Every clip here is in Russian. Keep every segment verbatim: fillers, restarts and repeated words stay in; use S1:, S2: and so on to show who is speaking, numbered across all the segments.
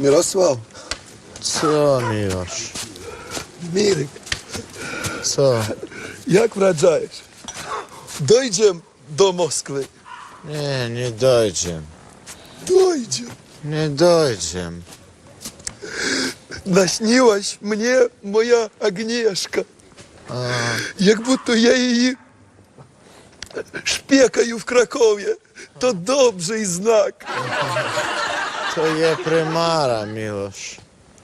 S1: Мирослав,
S2: Co, Miłosz?
S1: Mirek,
S2: Co?
S1: jak wracasz? Dojdziemy do Moskwy.
S2: Nie, nie dojdziemy.
S1: Dojdziemy.
S2: Nie dojdziemy.
S1: Наснилась мне моя Агнешка.
S2: A,
S1: Як будто я її шпекаю в Кракові. То добрий знак.
S2: to je primara, Miłosz.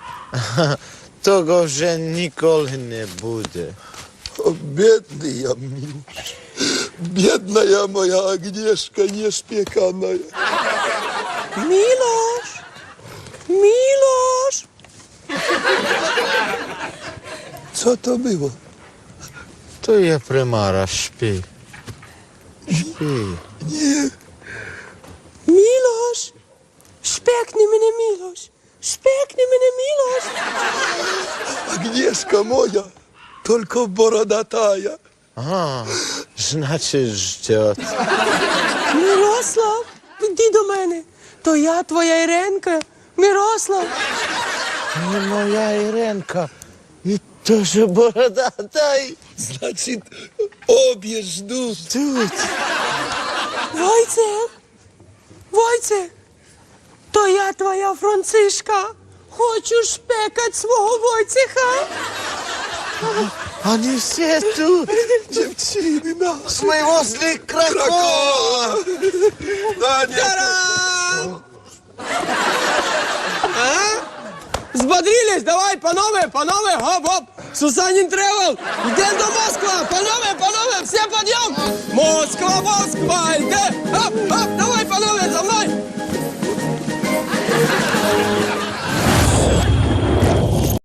S2: Tego вже nikoли не буде.
S1: О, бедный я, Милуш. Бедная моя Агнешка нешпеканая.
S3: Miloš! Miloš!
S1: Co to było?
S2: To je primara, śpi. Śpi.
S1: Nie,
S3: Miloš! Špekni мене, Miloš! Špekni мене, Miloš!
S1: Агнешка моя, только бородатая.
S2: Ага, значить, ждет.
S3: Мирослав, іди до мене. То я твоя Іренка. Мирослав.
S2: Nie moja Irenka. I to, że borodataj.
S1: Значит, обе ждут.
S2: Тут.
S3: Войцех. Войцех. То я твоя Францишка. Хочу шпекать свого Войцеха.
S2: Они все тут.
S1: Девчины наши.
S2: Мы возле Кракова.
S1: Да, нет.
S3: Та-дам! А? Збодрились, давай, панове, панове, гоп-гоп. Сусанін Тревел, йдемо до Москва, панове, панове, все підйом. Москва, Москва, йде